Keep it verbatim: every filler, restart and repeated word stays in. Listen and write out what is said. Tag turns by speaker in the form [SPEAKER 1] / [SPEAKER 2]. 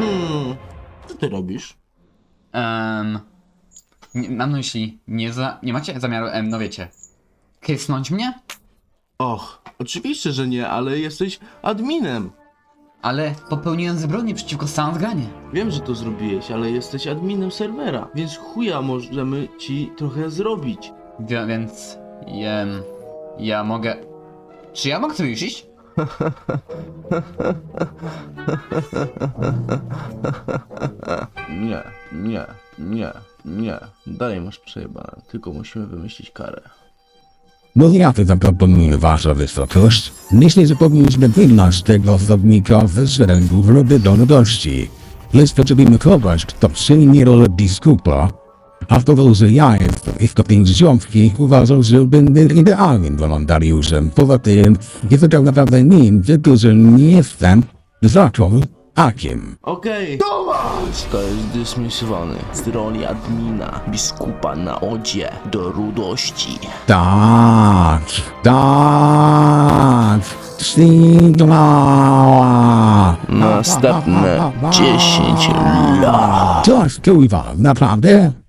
[SPEAKER 1] Hmm, co ty robisz?
[SPEAKER 2] Um, nie, mam na myśli, nie, za, nie macie zamiaru, em, no wiecie, kysnąć mnie?
[SPEAKER 1] Och, oczywiście, że nie, ale jesteś adminem.
[SPEAKER 2] Ale popełniłem zbrodnię przeciwko Soundgranie.
[SPEAKER 1] Wiem, że to zrobiłeś, ale jesteś adminem serwera, więc chuja możemy ci trochę zrobić.
[SPEAKER 2] Wie, więc, jem, ja mogę... Czy ja mogę tu już iść?
[SPEAKER 1] Nie, nie, nie, nie. Dalej masz przejebane, tylko musimy wymyślić karę.
[SPEAKER 3] No ja to zaproponuję wasza wysokość. Myślę, że powinniśmy wygnać tego osobnika ze szeregów ludności. Lecz potrzebujemy kogoś, kto przyjmie rolę biskupa. A to, że ja jestem istotnie ziomki, uważam, że będę idealnym wolontariuszem. Poza tym, jest to tak naprawdę nim, tylko że nie jestem zaczął akiem.
[SPEAKER 1] Okej, zostajesz dysmisowany z roli admina, biskupa na odzie do rudości.
[SPEAKER 3] Tak, tak, Sigma.
[SPEAKER 1] Następne dziesięć lat.
[SPEAKER 3] To jest kurwa, naprawdę?